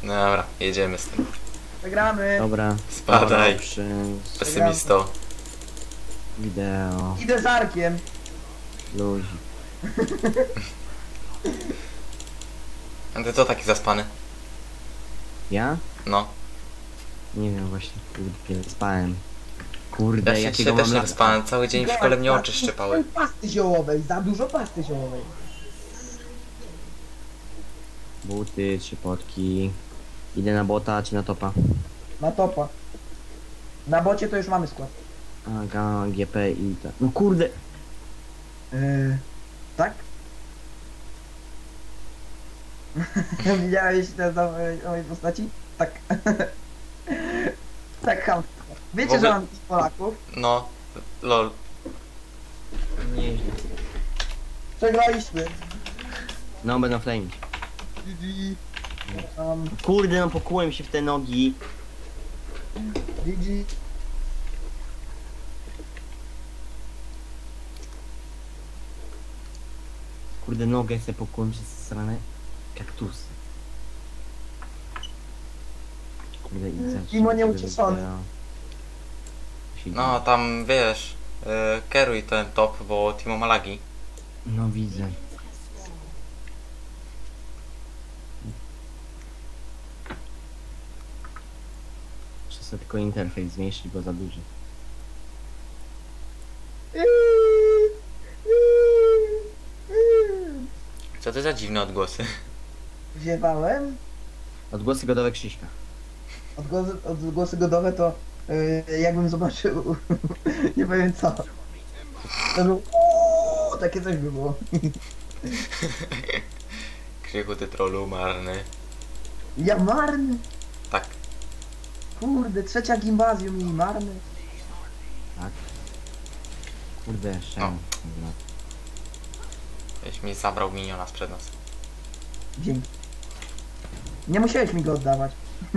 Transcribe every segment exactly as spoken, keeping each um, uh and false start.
Dobra, jedziemy z tym. Wygramy. Dobra. Spadaj. Przy... Pesymisto. Wideo. Idę z Arkiem. Luzik. A ty co taki zaspany? Ja? No. Nie wiem właśnie, kurde, spałem. Kurde, Ja się jakiego dzisiaj też mam nie lata? wyspałem, cały dzień w szkole mnie oczy szczypały. Pasty ziołowej, za dużo pasty ziołowej. Buty, trzy potki. Idę na bota czy na topa? Na topa. Na bocie to już mamy skład. A, G, G P i tak. No kurde! Yy, tak? Widziałeś te z mojej postaci? Tak. Tak, ham. Wiecie, W ogóle- że mam tych Polaków? No, lol. Nieźle. Przegraliśmy. No, będą flames. Um, Kurde, no pokułem się w te nogi. G G. Kurde, nogę sobie pokułem przez stronę kaktusy. Kurde, i zaraz. Timo nieucieszony. No, tam wiesz, yy, kieruj ten top, bo Timo ma lagi. No widzę. Muszę sobie tylko interfejs zmniejszyć, bo za duży. Co to za dziwne odgłosy? Wziewałem. Odgłosy godowe Krzyśka. Odgłosy, odgłosy godowe to yy, jakbym zobaczył nie powiem co. To był uuu, takie coś by było. Krzychu, ty trolu marny. Ja marny. Tak. Kurde, trzecia gimbazjum i marny. Tak? Kurde, jeszcze. No. Jeś mi zabrał miniona sprzed nas. Dzięki. Nie musiałeś mi go oddawać.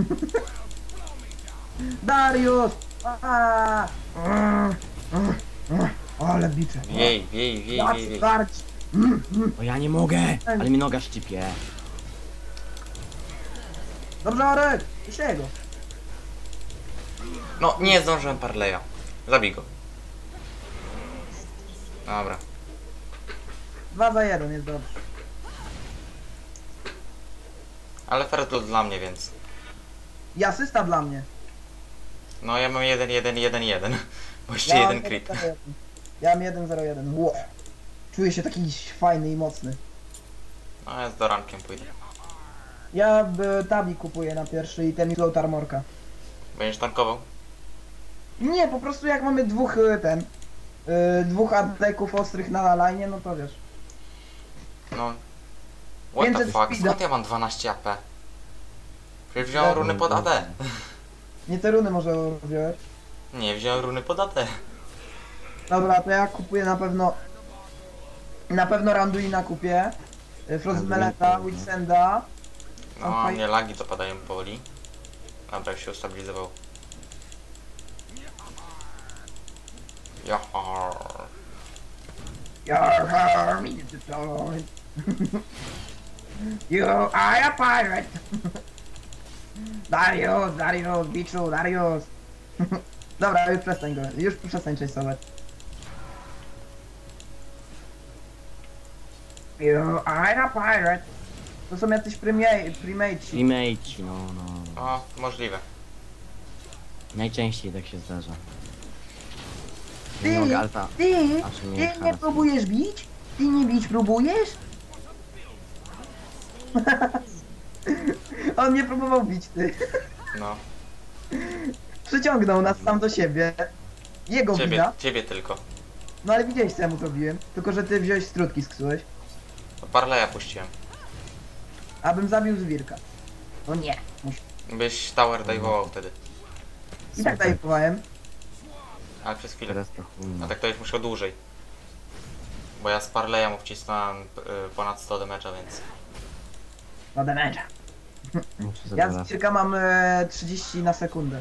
Dariusz! Aaa! Mm, mm, mm. Ale bicze. Wiej, wiej, wiej, wiej, wiej. Starć. O ja nie mogę! Ale mi noga szczypie. Dobrze, Arek! Jeszcze jego. No, nie zdążyłem parleja. Zabij go. Dobra. Dwa za jeden jest dobrze. Ale fair dla mnie, więc. I asysta dla mnie. No, ja mam jeden, jeden, jeden, jeden. Bo jeszcze Ja jeden mam crit. jeden zero jeden. Ja mam jeden zero jeden. Wow. Czuję się taki fajny i mocny. No, ja z dorankiem pójdę. Ja y, tabi kupuję na pierwszy item i float armorka. Będziesz tankował? Nie, po prostu jak mamy dwóch y, ten... Y, dwóch adeków ostrych na line, no to wiesz. No. What the pięćset fuck? speeda. Skąd ja mam dwanaście A P? Przecież wziąłem runy pod A D. Nie te runy może wziąłeś. Nie, wziąłem runy pod A D. Dobra, to ja kupuję na pewno... Na pewno Randuina kupię. Y, Frostmeleta, Witsenda. No, a mnie lagi to padają powoli. Dobra, już się ustabilizował. Johar. You're me to deploy. You are a pirate. Darius, Darius, biczu, Darius. Dobra, już przestań go, już przestań częstować. You are a pirate. To są jacyś primate, primaci. Remake, no, no. O, możliwe. Najczęściej tak się zdarza. Ty, Nie mogę alta. ty, A czy nie ty nie haras- próbujesz bić? Ty nie bić próbujesz? On nie próbował bić, ty. No. Przyciągnął nas sam do siebie. Jego Ciebie, wina. ciebie tylko. No ale widziałeś co ja mu zrobiłem. Tylko że ty wziąłeś strutki, sksułeś. To parleja puściłem. Abym zabił zwirka. No nie. Musi. Byś tower dive'ował wtedy. I tak Super. dajowałem. Ale przez chwilę. Teraz to chuj. A tak to już muszę dłużej. Bo ja z parleja mu wcisnąłem y, ponad sto damage'a, więc... No damage'a. Muszę Ja sobie z raz. zwirka mam e, trzydzieści na sekundę.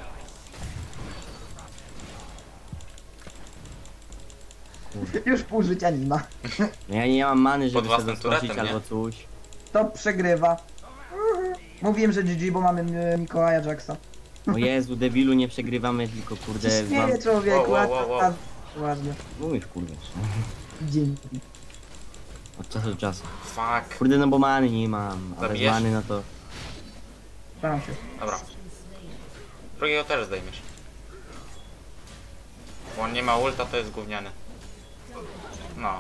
Już pół życia nie ma. No ja nie mam many, żeby Pod własnym sobie skończyć turetem, nie? albo coś. To przegrywa. Mówiłem, że G G, bo mamy e, Mikołaja Jacksa. O Jezu, debilu, nie przegrywamy, tylko kurde... Się wam... śmieję, człowieku, Wow, wow, wow, a- wow. a- ładnie. Mówisz, kurde. Dzięki. Od czasu do czasu. Fuck. Kurde, no bo many nie mam, a bez Zabijesz? many no to... Staram się. Dobra. Drugiego też zdejmiesz. Bo on nie ma ulta, to jest gówniany. No.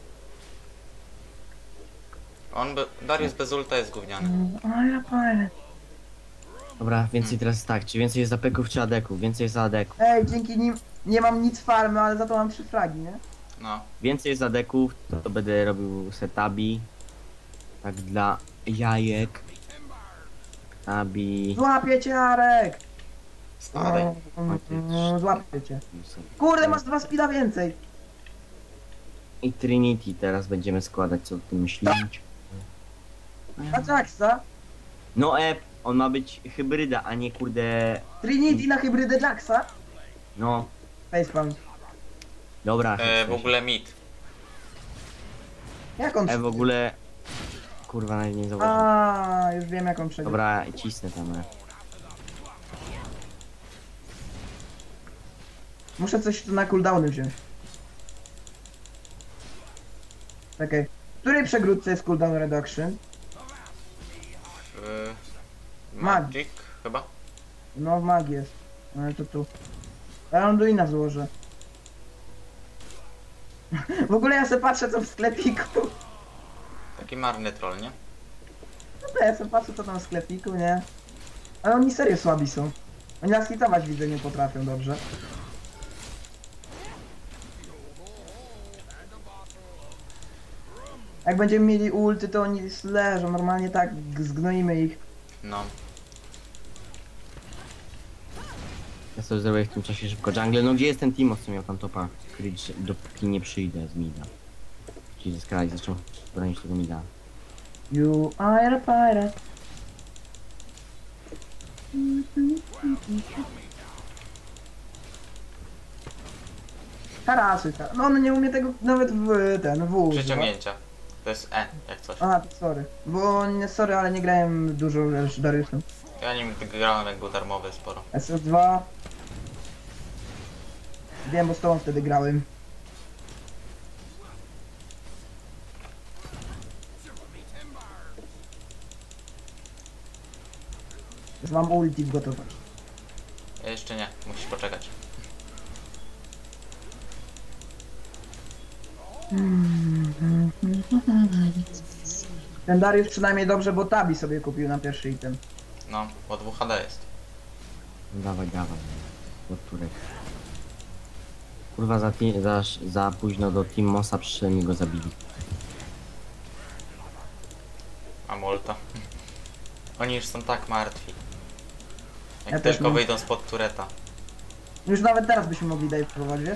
On be... Darius bez ulta jest gówniany. Ale fajne. Dobra, więcej teraz tak, czy więcej jest apeków czy adeków? Więcej jest adeków. Ej, dzięki nim nie mam nic farmy, ale za to mam trzy fragi, nie? No. Więcej jest adeków, to, to będę robił setabi. Tak dla jajek. Abi. Złapię cię, Arek! Spadaj. Mm, mm, Złapię cię. Kurde, masz dwa speeda więcej. I Trinity teraz będziemy składać, co o tym myślisz? A Jacksa? No e, on ma być hybryda, a nie kurde... Trinity na hybrydę Jacksa? No, Facepalm. dobra. E, w ogóle mid. Jak on E, w ogóle... Kurwa, nawet nie zauważyłem. A, już wiem jak on przegrał. Dobra, cisnę tam. E. Muszę coś tu na cooldowny wziąć. Czekaj. W której przegródce jest cooldown reduction? Y... Mag. Magic chyba? No w magii jest. No ale to tu. Ja Anduina złożę. W ogóle ja sobie patrzę co w sklepiku. Taki marny troll, nie? No to ja sobie patrzę co tam w sklepiku, nie? Ale oni serio słabi są. Oni nas hitować widzę nie potrafią dobrze. Jak będziemy mieli ulty to oni leżą, normalnie tak zgnoimy ich. No. Ja sobie zrobię w tym czasie szybko jungle. No gdzie jest ten Timo, co miał tam topa kryć, dopóki nie przyjdę z mida. Czyli ze Sky zaczął bronić tego mida. You are a pirate. Tarasy, ta. No on nie umie tego nawet w ten w używać. Przeciągnięcia. To jest E, jak coś. A, sorry. Bo nie, sorry, ale nie grałem dużo już Dariusem. Ja nim grałem jak był darmowy sporo. S S dwa. Wiem, bo z tobą wtedy grałem. Już mam ulti w gotowości. Ja jeszcze nie, musisz poczekać. Ten Darius przynajmniej dobrze, bo Tabi sobie kupił na pierwszy item. No, bo dwóch H D jest. No dawaj, dawaj. Od Turek. Kurwa, za, ti- za, za późno do Team Mossa przyszedłem i go zabili. A Molta. Oni już są tak martwi. Jak Ja też tylko mam. wyjdą spod tureta. Już nawet teraz byśmy mogli Dave próbować, wiesz?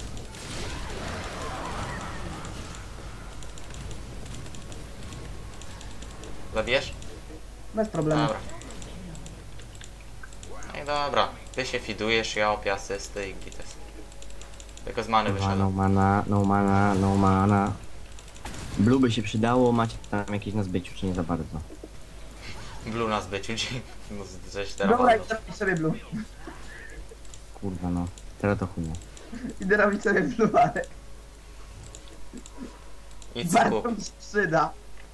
Zabijesz? Bez problemu. Dobra. No i dobra. Ty się fidujesz, ja opię asysty i gites. Tylko z many Kurwa, no wyszedłem. mana, no mana, no mana. Blue by się przydało, macie tam jakieś na zbyciu, czy nie za bardzo? Blue na zbyciu, ci- no, żeś teraz Dobra, walnął. idę robić sobie blue. Kurwa no, teraz to chujnie. Idę robić sobie blue, ale Idź bardzo kup. mi się przyda.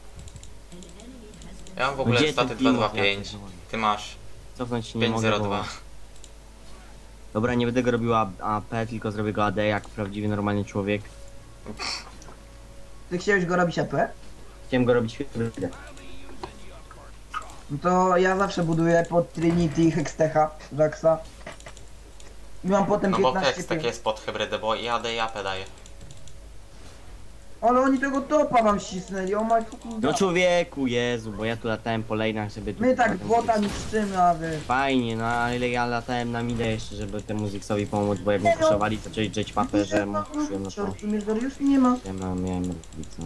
Ja mam w No ogóle gdzie staty ten dwa Timo? dwa Ja pięć. pierdolę. Ty masz Cofnąć się nie pięć mogę, zero bo... dwa. Dobra, nie będę go robił A- AP, tylko zrobię go A D jak prawdziwy, normalny człowiek. Ty chciałeś go robić A P? Chciałem go robić hybrydę. No to ja zawsze buduję pod Trinity Hextecha, Jacksa. I mam potem No bo piętnaście tekst tak pięć. jest pod hybrydę, bo i A D i A P daje. Ale oni tego topa wam ścisnęli, o my fucking No god. człowieku, Jezu, bo ja tu latałem po lane'ach, żeby... tu- My tak potem bota sobie- niszczymy, a wy... Fajnie, no ale ja latałem na midę jeszcze, żeby temu Zigsowi pomóc, bo jak mnie puszowali, to zaczęli drzeć papę, że mu puszyłem, no to... Tu mnie już nie ma. Ja miałem, miałem robić, no.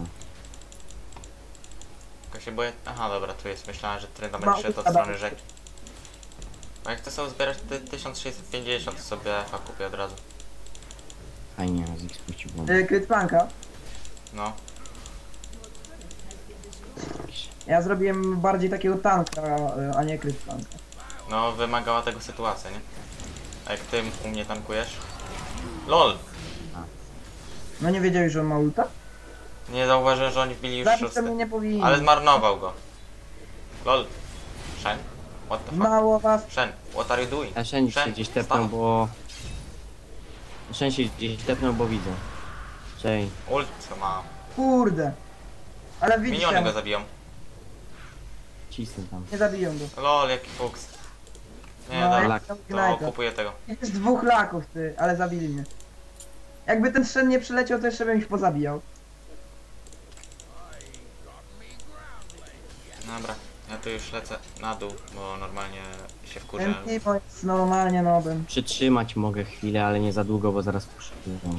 Tylko się boję... Aha, dobra, tu jest. Myślałem, że trenda Ma będzie szedł od upada. strony rzeki. A jak to sobie zbierać te tysiąc sześćset pięćdziesiąt, to sobie F A kupię od razu. Fajnie, Ziggs puścił bombę. Yy, Krytpanka. No. Ja zrobiłem bardziej takiego tanka, a nie kryt tanka. No, wymagała tego sytuacja, nie? A jak ty u mnie tankujesz? LOL! No nie wiedziałeś, że on ma ulta? Nie zauważyłem, że oni wbili już Zabić to szósty. mnie nie powinien. Ale zmarnował go. LOL. Shen? What the fuck? Mało was. Shen, what are you doing? A Shen się Shen, gdzieś tepnął, stop. bo... Shen się gdzieś tepnął, bo widzę. Cześć. Ult ma. Kurde. Ale Miniony go widzicie, zabiją. Cisnę tam. nie zabiją go. LOL, jaki fuks. Nie, No, dobra, jak tam to Ignite'a. kupuję tego. Jest dwóch laków, ty, ale zabili mnie. Jakby ten Shen nie przyleciał, to jeszcze bym ich pozabijał. Dobra, ja tu już lecę na dół, bo normalnie się wkurzę. Ten Timo jest normalnie nobem. Przytrzymać mogę chwilę, ale nie za długo, bo zaraz puszczę.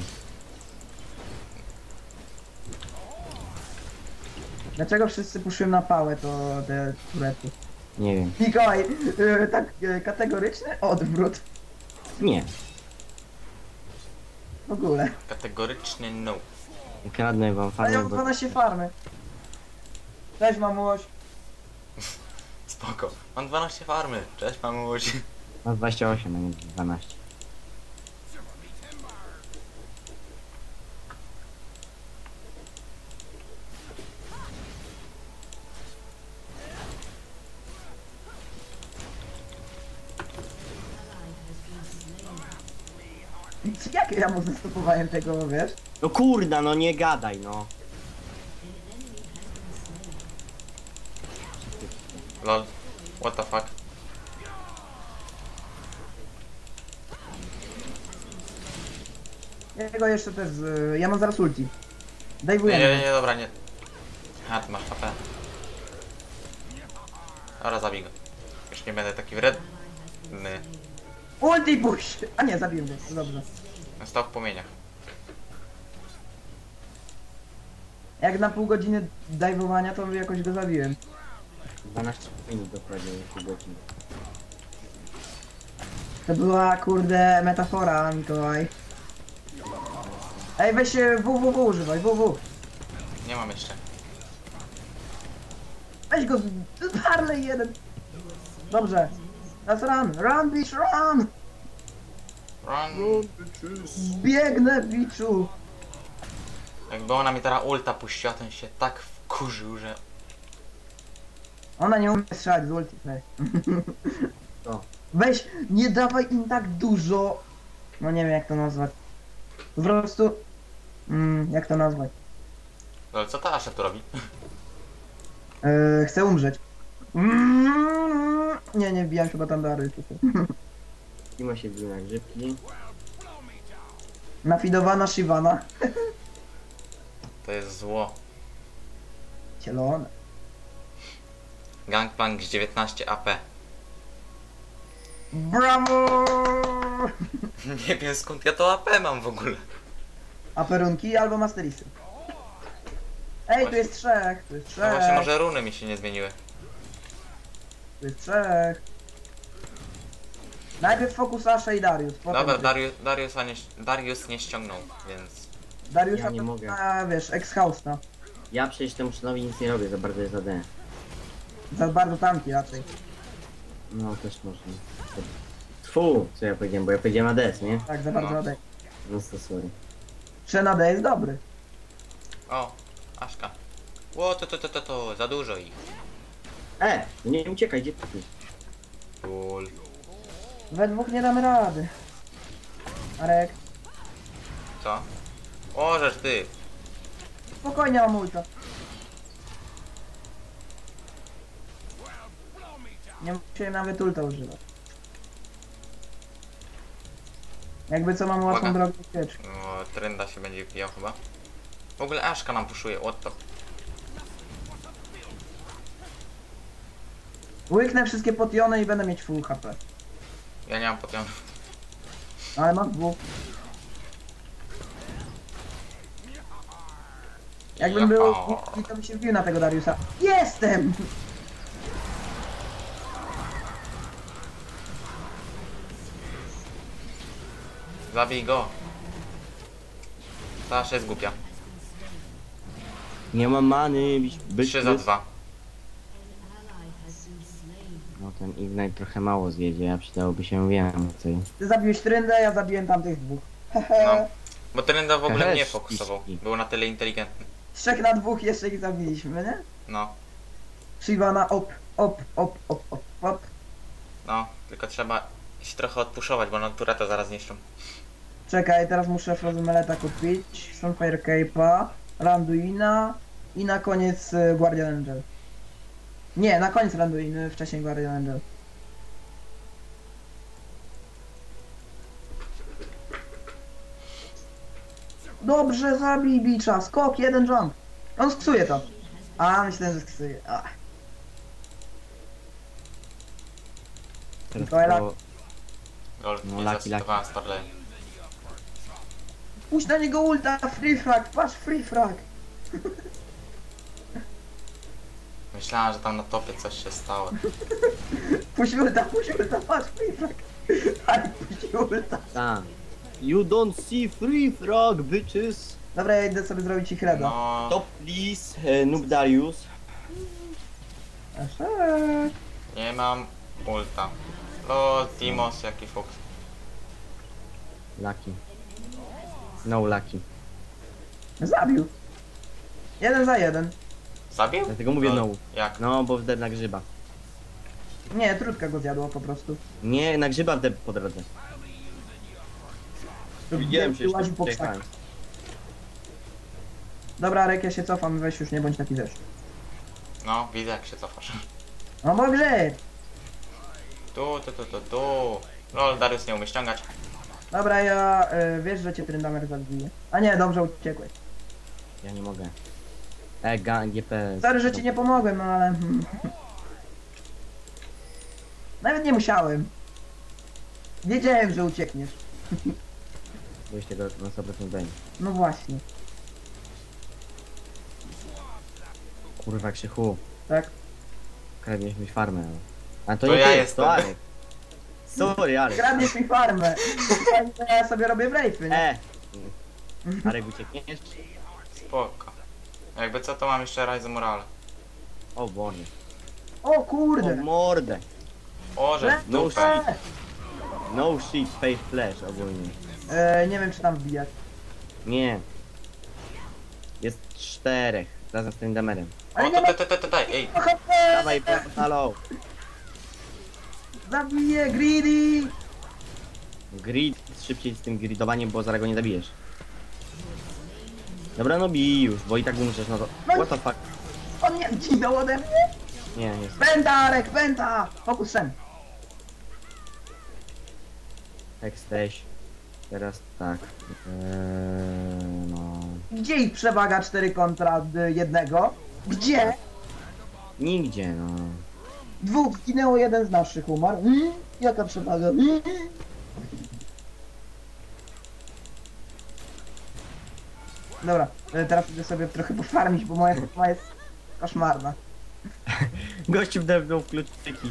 Dlaczego wszyscy puszyłem na pałę to te turety? Nie wiem. Mikołaj, yy, tak yy, kategoryczny odwrót. Nie. W ogóle. Kategoryczny no. Kradnę wam A ja farmę, mam bo... dwanaście farmy. Cześć mamuś. Spoko. Mam dwanaście farmy. Cześć mamuś. Mam dwadzieścia osiem, a nie dwanaście. Jak ja mu zastopowałem tego, wiesz? No kurda, no nie gadaj, no. LOL. What the fuck. Jego jeszcze też z... Ja mam zaraz ulti. Nie, Dajwujemy. nie, nie, dobra, nie. A, ty masz H P. Dobra, zabij go. Już nie będę taki wredny. Ulti push! A nie, zabiłem go. Dobrze. Stał w płomieniach. Jak na pół godziny dajwowania, to jakoś go zabiłem. dwanaście minut dokładnie, pół godziny. To była, kurde, metafora, Mikołaj. Ej, weź e, W W W używaj, W W. Nie mam jeszcze. Weź go, z- Harley jeden. Dobrze. Teraz run, run bitch, run! Run. Biegnę, biczu. Jakby ona mi teraz ulta puściła, to się tak wkurzył, że... Ona nie umie strzelać z ulti, weź. Co? Weź, nie dawaj im tak dużo. No nie wiem jak to nazwać. Po prostu... Mm, jak to nazwać? LOL, co ta Asha tu robi? Yy, chcę umrzeć. Mm, nie, nie wbijam chyba tam dary tutaj. Timo się bił na grzybki. Nafidowana Shivana. To jest zło. Cielone. Gangplank z dziewiętnaście A P. Brawo! Nie wiem skąd ja to A P mam w ogóle. A perunki albo masterisy. Ej, tu jest trzech, tu jest No właśnie, trzech, może runy mi się nie zmieniły. tu jest trzech. Najpierw fokus Asha i Darius, potem Dobra, ty. Darius, Dariusa nie, Darius nie ściągnął, więc... Dariusa Ja nie to mogę. na, wiesz, ex-hausta. Ja przecież temu Shenowi nic nie robię, za bardzo jest A D. Za bardzo tanki raczej. No też można. Tfu, co ja powiedziałem, bo ja powiedziałem A D S, nie? Tak, za bardzo No. na D. No to sorry. Shen na D jest dobry. O, Aszka. Ło, to, to, to, to, to, za dużo ich. E! No nie uciekaj, gdzie ty? Ul. We dwóch nie damy rady. Arek, Co? O, żeż ty. spokojnie mam ulta. Nie musiałem nawet ulta używać. Jakby co mam łatwą Uwaga. drogę ucieczki. O, trenda się będzie wbijał chyba. W ogóle Aszka nam puszuje, what the... Łyknę wszystkie potiony i będę mieć full H P. Ja nie mam potionów. Ale mam dwóch. Jakbym był Jaha. i to by się wbił na tego Dariusa. Jestem! Zabij go. Ta Asha jest głupia. Nie mam many, byś... byś trzy za dwa. No ten Ignite trochę mało zjedzie, a przydałoby się więcej. Ty zabiłeś Tryndę, ja zabiłem tamtych dwóch. No. Hehe. Bo Trynda w ogóle Hehe, mnie fokusował. ściski. Był na tyle inteligentny. Trzech na dwóch jeszcze ich zabiliśmy, nie? No. Shiva na op, op, op, op, op, op. No. Tylko trzeba się trochę odpuszować, bo no tureta zaraz niszczą. Czekaj, teraz muszę Frozemeleta kupić, Sunfire Cape'a, Randuina i na koniec y, Guardian Angel. Nie, na koniec Randuin, wcześniej Guardian Angel. Dobrze, zabij bicza, skok, jeden jump. On sksuje to. A, myślałem, że sksuje. Ach. Teraz Mikołaj, to... Lol, No, nie laki, zacytowałem Starley. Puść na niego ulta, free frag, patrz free frag. Myślałem, że tam na topie coś się stało. Puść ulta, puść ulta, patrz free frag. Ale puść ulta. Ta. You don't see free frog, bitches! Dobra, ja idę sobie zrobić ich reda. No. Top please, e, Noob Darius. Eszek. Nie mam ulta. Lol, Timos, jaki fuks. Lucky. No lucky. Zabił. Jeden za jeden. Zabił? Dlatego mówię Lol, no. Jak? No, bo wdep na grzyba. Nie, trudka go zjadła po prostu. Nie, na grzyba wdep po drodze. Widziałem się Łaził po jeszcze krzakach. Dobra, Rek, ja się cofam, weź już nie bądź taki wiesz. No, widzę jak się cofasz. No bo grzyb. Tu, tu, tu, tu, tu. Lol, Darius nie umie ściągać. Dobra, ja y, wiesz, że cię Tryndamer zabije. A nie, dobrze uciekłeś. Ja nie mogę. E, G P. Sorry, że ci nie pomogłem, no ale... hmm. Nawet nie musiałem. Wiedziałem, że uciekniesz. Byłeś tego na sto procent pewien. No właśnie, Kurwa, Krzychu. tak? Kradniesz mi farmę. A to, To nie ja ty, jestem. to Arek. Sorry, Arek. Kradniesz mi farmę. Ja sobie robię wrejfy, nie? E! Arek, uciekniesz? Spoko. Jakby co, to mam jeszcze Rise Morale. O Boże. O O kurde. mordę. O, że w No dupę. shit. No shit, face flash ogólnie. E, nie wiem, czy tam wbijać. Nie. Jest czterech. Razem z tym damerem. Ale O, nie ma... tutaj, tutaj, tutaj, ej. Dawaj, halo. Zabiję greedy. Grid, szybciej z tym gridowaniem, bo zaraz go nie zabijesz. Dobra, no bij już, bo i tak umrzesz, no to... What the fuck? On nie zginął ode mnie. Nie, jest. Penta, Rek, penta. Fokus sen. Jesteś. Teraz tak. Eee, no... Gdzie ich przewaga cztery kontra jednego? Gdzie? Nigdzie, no. Dwóch zginęło, jeden z naszych umarł. Mm, jaka przewaga? Mm. Dobra, e, teraz idę sobie trochę pofarmić, bo moja forma jest koszmarna. Gościu wdepnął w kluczyki.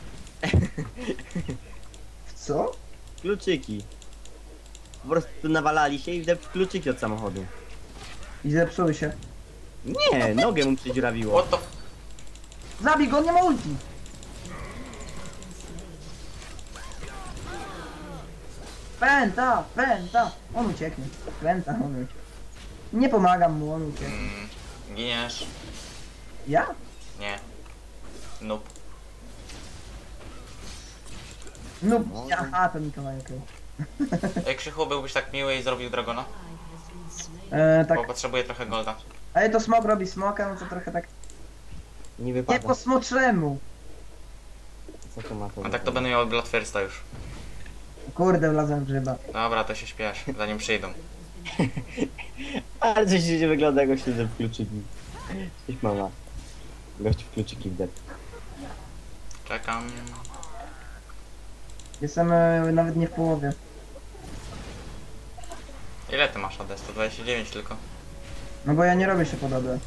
W co? Kluczyki. Po prostu nawalali się i wdep w kluczyki od samochodu. I zepsuły się. Nie, nogę mu przedziurawiło. What the f... Zabij go, nie ma ulti! Penta, penta! On ucieknie. Penta, on ucieknie. Nie pomagam mu, on ucieknie. Mm, giniesz? Ja? Nie. Nope. No, aha, to Mikołaj, okej. Ej, Krzychu, byłbyś tak miły i zrobił Dragona? E, Tak, Bo potrzebuję trochę golda. ale to smok robi smoka, no to trochę tak... Nie Nie wypada. po smoczemu! Co to ma to? A tak to będę miał Blood Firsta już. Kurde, wlazłem w grzyba. Dobra, to się śpiesz, zanim przyjdą. Ale coś nie wygląda, jak gościu w kluczyki. Coś mama. Gościu w kluczyki wdep. Czekam. Jestem e, nawet nie w połowie. Ile ty masz A D? sto dwadzieścia dziewięć tylko. No bo ja nie robię się podobne.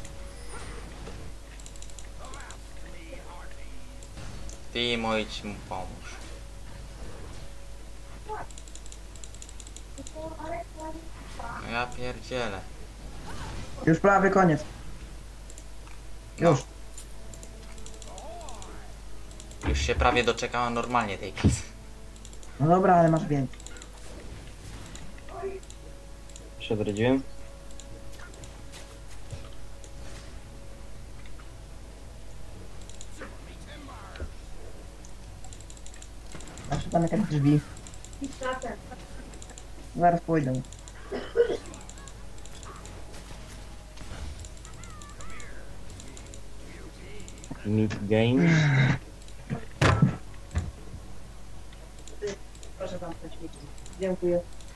Timo, idź mu pomóż. No ja pierdzielę. Już prawie koniec. No. Już. Już się prawie doczekałem normalnie tej kasy. No dobra, ale masz więcej. Się odrodziłem. Masz tam jakieś drzwi. Zaraz pójdę. Mid game. Proszę zamknąć mi. Dziękuję.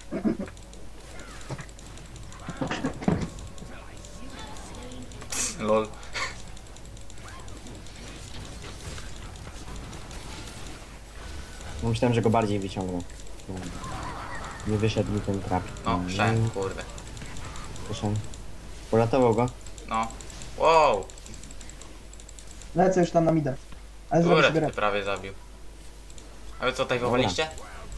Lol. Myślałem, że go bardziej wyciągnę. Nie wyszedł mi ten trap. No, szedł, kurde. Proszę. Uratował go. No. Wow! Lecę już tam na mida. Ale zrobię Kurde, sobie ty rap. prawie zabił. A wy co, tutaj Dobra. wywaliście?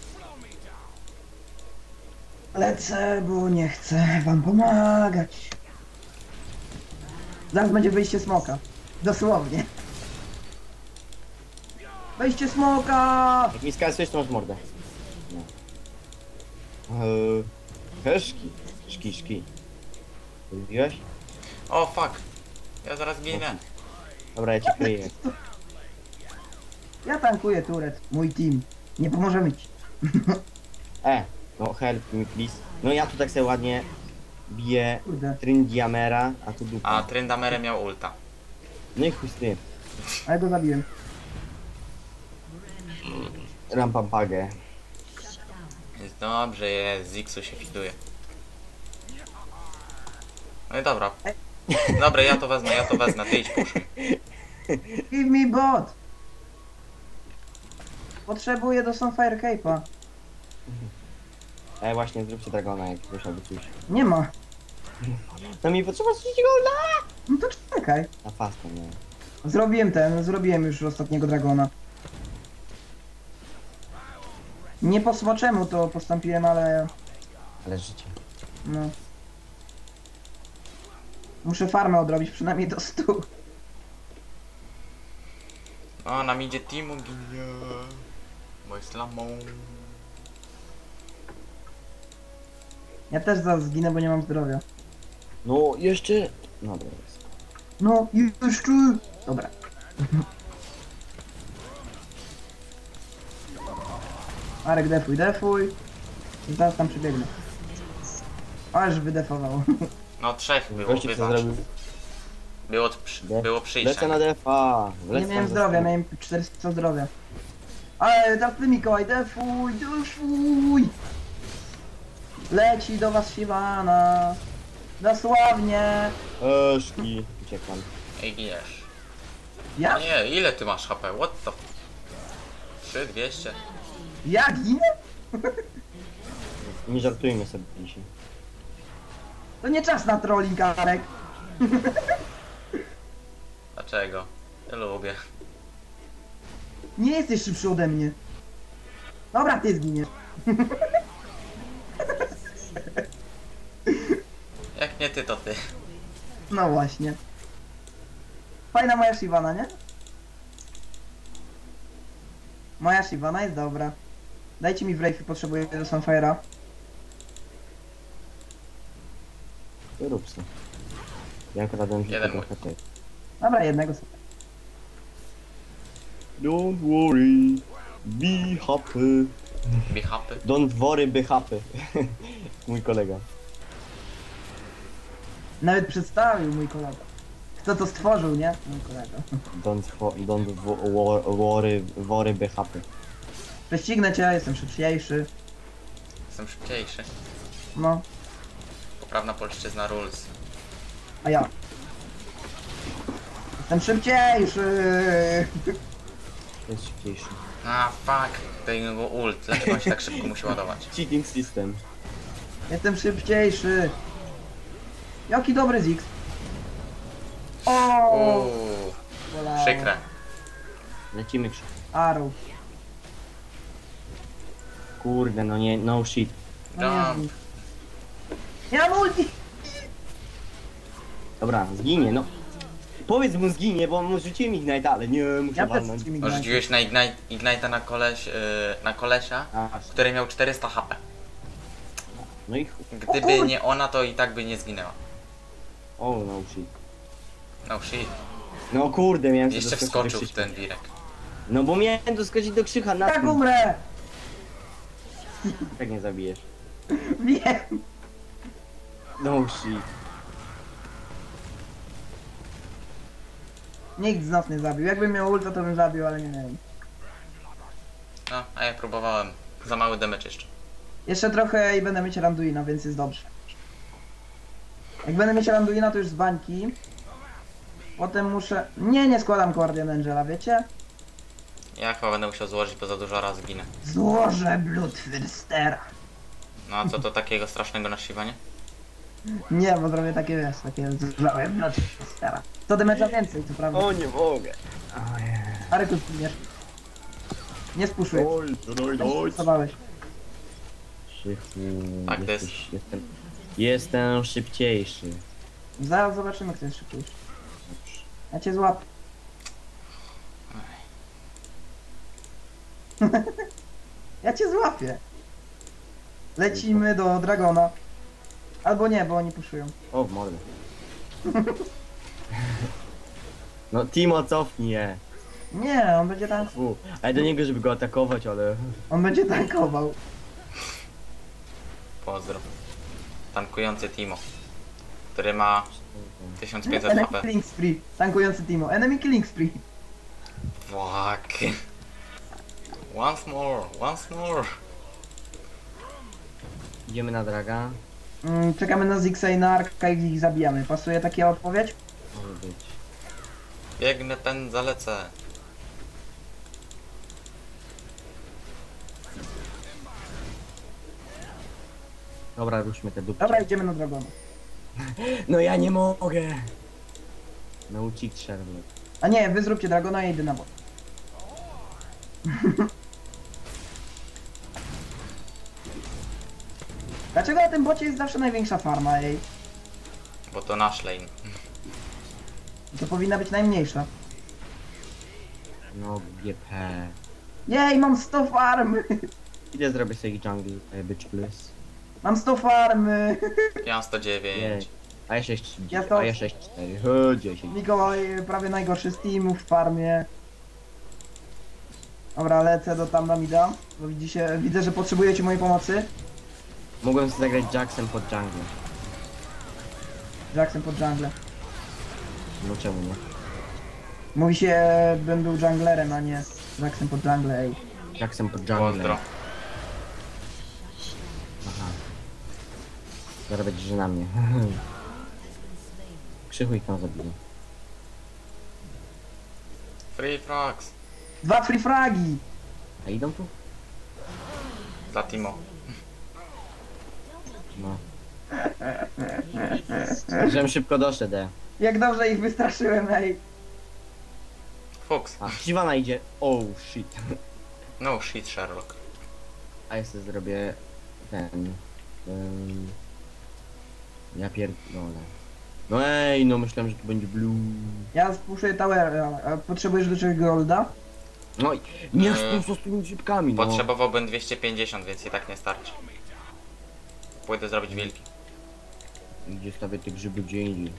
Lecę, bo nie chcę wam pomagać. Zaraz będzie wyjście smoka. Dosłownie. Wejście smoka! Jak mi skasujesz, to masz mordę. No. Eee, Heszki. Szki, szki. Lubiłeś? O, fuck. Ja zaraz ginę. Dobra, ja cię kryję. Ja tankuję turet. Mój team. Nie pomożemy ci. E, no help me please. No ja tu tak sobie ładnie biję Kurde. Trindiamera, a tu dupa. A Tryndamere miał ulta. No i chuj z tym. Ale go zabiłem. Rampampagę. Jest dobrze, jest. Zixu się fiduje. No i dobra. Dobra, ja to wezmę, ja to wezmę. Ty idź push. Give me bot! Potrzebuję do Sunfire Cape'a. E, właśnie, zróbcie dragona, jak ktoś albo coś. Nie ma. No mi potrzeba trzeciego golda! No to czekaj. Na fasta, nie. Zrobiłem ten, zrobiłem już ostatniego dragona. Nie po smoczemu to postąpiłem, ale Ale życie. no. Muszę farmę odrobić przynajmniej do stu. O, nam idzie Timu ginie. Bo jest lamą. Ja też zaraz zginę, bo nie mam zdrowia. No, jeszcze... No, dobra, jest. No, jeszcze! Dobra. Arek, defuj, defuj. Zaraz tam przybiegnę. Aż wydefował. No trzech było, Gościu co wybacz. zrobił? Było, przy, De- było Lecę przyjście. na defa! Nie Lecę miałem na zdrowia, defa. miałem czterysta zdrowia. Ale teraz ty Mikołaj, defuj, defuj! Leci do was Siwana. Dosłownie. Eszki. Uciekam. Ej, giniesz. Ja? A nie, ile ty masz H P? What the... trzy dwieście. Ja ginę? Nie żartujmy sobie dzisiaj. To nie czas na trolling, Arek. Dlaczego? Ja lubię. Nie jesteś szybszy ode mnie. Dobra, ty zginiesz. Jak nie ty, to ty. No właśnie. Fajna moja Shyvana, nie? Moja Shyvana jest dobra. Dajcie mi wraith, potrzebuję do Sunfire'a. To rób se. Ja akurat dam Jeden tylko trochę. Dobra, jednego sobie. Don't worry. Be happy. Be happy. Don't worry, be happy. Mój kolega. Nawet przedstawił mój kolega. Kto to stworzył, nie? Mój kolega. Don't, wo- don't wo- wo- worry, worry, be happy. Prześcignę cię, jestem szybciejszy. Jestem szybciejszy. No, Poprawna polszczyzna rules. a ja. Jestem szybciejszy. To jest szybciejszy. A, fuck. To jego ult. Dlaczego on się tak szybko musi ładować? Cheating system. Jestem szybciejszy. Jaki dobry Ziggs. O, Uuu, bolało. przykre. Lecimy krzyk. Arrow. Kurde, no nie, no shit. No Jump. Jezu. Nie mam ulti. Dobra, zginie, no. Powiedz mu zginie, bo mu rzuciłem Ignite, ale nie, muszę Ja też walnąć. z tymi grałem. Rzuciłeś na Ignite, Ignite'a na koleś, yy, na kolesia, A, który miał czterysta H P. no i chuj. Gdyby kur- nie ona, to i tak by nie zginęła. O, no shit. No shit. No kurde, miałem Jeszcze doskoczyć do wskoczył w Krzyśka. ten wirek. No bo miałem doskoczyć do Krzycha na Tak tym. umrę! Tak nie zabijesz. Wiem! No shit. Nikt z nas nie zabił. Jakbym miał ulta, to bym zabił, ale nie wiem. No, a ja próbowałem. Za mały damage jeszcze. Jeszcze trochę i będę mieć Randuina, więc jest dobrze. Jak będę mieć Randuina, to już z bańki. Potem muszę... Nie, nie składam Guardian Angela, wiecie? Ja chyba będę musiał złożyć, bo za dużo razy ginę. Złożę Bloodthirstera. No a co to takiego strasznego na Shiva, Nie, bo zrobię takie, wiesz, takie złożę Bloodthirstera. To damage'a więcej, to prawda. O, nie mogę. Aryku, zginiesz. Nie spuszuj. Oj, oj, oj. Spusowałeś. Krzychu, Tak, to jesteś, jestem, jestem szybciejszy. Zaraz zobaczymy, kto jest szybciejszy. Ja cię złapię. Ja cię złapię. Lecimy do Dragona. Albo nie, bo oni puszują. O, w mordę. No Timo, cofnij je. Nie, on będzie tank... Fu. Ale do niego, żeby go atakować, ale... On będzie tankował. Pozdro. Tankujący Timo. Który ma tysiąc pięćset Enemy H P. killing spree. Tankujący Timo. Enemy killing spree. Fuck. Once more, once more. Idziemy na draga. Mm, czekamy na Zixa i na Arka i ich zabijamy. Pasuje taka odpowiedź? Może być. Biegnę, pędzę, lecę. Dobra, ruszmy te dupki. Dobra, idziemy na Dragona. No ja nie mogę. Nauczyć Sherlock. A nie, wy zróbcie Dragona, ja idę na bot. Dlaczego na tym bocie jest zawsze największa farma, ej? Bo to nasz lane. To powinna być najmniejsza. No G P. Jej, mam sto farmy! Idę zrobię sobie jungle, e, bitch plus. Mam sto farmy! Ja mam sto dziewięć. Jej. A ja sześć, Ja to- a ja sześć cztery. O, dziesięć. Mikołaj prawie najgorszy z teamów w farmie. Dobra, lecę do tam na mida. Bo widzicie, widzę, że potrzebujecie mojej pomocy. Mogłem sobie zagrać Jacksem pod jungle. Jackson pod jungle. No czemu nie? Mówi się, bym był junglerem, a nie Jackson pod jungle, ej. Jacksem pod jungle. Pozdro. Aha. Zaraz będzie, że na mnie. Krzychu ich tam zabiję. Free frogs. Dwa free fragi! A idą tu? Dla Timo. No. Żebym szybko doszedł. e. Jak dobrze ich wystraszyłem, ej. Fuchs. A, Shyvana idzie. Oh shit. No shit, Sherlock. A ja sobie zrobię ten... Um, ja pierdolę. No ej, no myślałem, że tu będzie blue. Ja spuszuję towera, a potrzebujesz do czegoś golda? No i nie Eee, z tymi szybkami, no. Potrzebowałbym dwieście pięćdziesiąt, więc i tak nie starczy. Pójdę zrobić wilki. Gdzie stawię te grzyby gdzie indziej.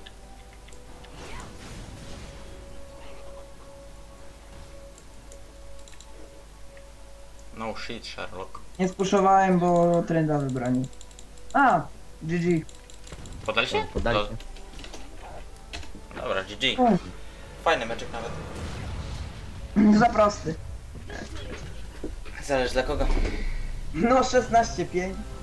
No shit, Sherlock. Nie spuszowałem, bo trenda wybrani. A, G G. Podali się? Podali To- się. Dobra, G G. O, Fajny meczek nawet. za prosty. Zależy dla kogo. No szesnaście pięć.